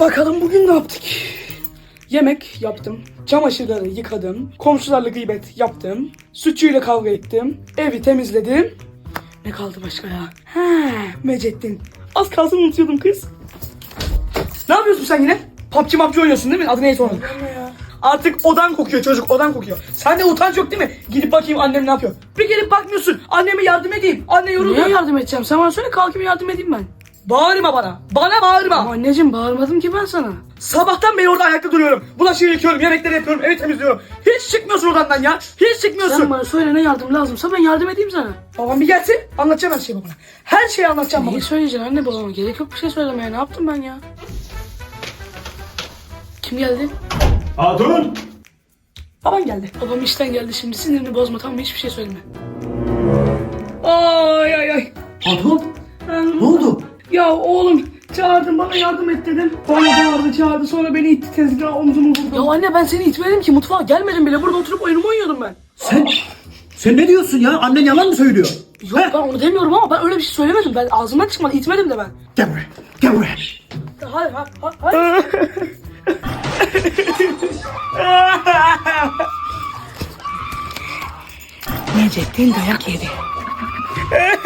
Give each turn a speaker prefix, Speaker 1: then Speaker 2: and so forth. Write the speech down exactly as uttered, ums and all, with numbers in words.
Speaker 1: Bakalım bugün ne yaptık? Yemek yaptım, çamaşırları yıkadım, komşularla gıybet yaptım, sütçüyle kavga ettim, evi temizledim. Ne kaldı başka ya? He, Mecettin. Az kalsın unutuyordum kız. Ne yapıyorsun sen yine? P U B G mapçı oynuyorsun değil mi? Adı neyse onun. Artık odan kokuyor çocuk, odan kokuyor. Sende utanç yok değil mi? Gidip bakayım annem ne yapıyor. Bir gelip bakmıyorsun. Anneme yardım edeyim. Anne yoruluyor.
Speaker 2: Niye yardım edeceğim? Sen bana söyle, kalkayım yardım edeyim ben.
Speaker 1: Bağırma bana. Bana bağırma.
Speaker 2: Ama anneciğim, bağırmadım ki ben sana.
Speaker 1: Sabahtan beri orada ayakta duruyorum. Bulaşığı yıkıyorum, yemekleri yapıyorum, evi temizliyorum. Hiç çıkmıyorsun odandan ya. Hiç çıkmıyorsun.
Speaker 2: Sen bana söyle, ne yardım lazımsa ben yardım edeyim sana.
Speaker 1: Babam bir gelsin, anlatacağım her şeyi babana. Her şeyi anlatacağım
Speaker 2: Neyi
Speaker 1: babana.
Speaker 2: söyleyeceksin anne babama? Gerek yok bir şey söylemeye. Ne yaptım ben ya? Kim geldi?
Speaker 3: Hatun!
Speaker 1: Baban geldi.
Speaker 2: Babam işten geldi şimdi. Sinirini bozma, tamam mı? Hiçbir şey söyleme.
Speaker 1: Ay ay ay.
Speaker 3: Hatun!
Speaker 1: Ben-
Speaker 3: Ne oldu?
Speaker 1: Ya oğlum çağırdım, bana yardım et dedim. Bana bağırdı çağırdı, sonra beni itti tezgaha, omzumu vurdu.
Speaker 2: Ya anne, ben seni itmedim ki, mutfağa gelmedim bile. Burada oturup oyunumu oynuyordum ben.
Speaker 3: Sen... Sen ne diyorsun ya? Annen yalan mı söylüyor?
Speaker 2: Yok, ben onu demiyorum ama ben öyle bir şey söylemedim. Ben ağzımdan çıkmadı, itmedim de ben.
Speaker 3: Gel buraya. Gel buraya.
Speaker 2: Hayır, hayır, hayır.
Speaker 1: Necettin dayak yedi.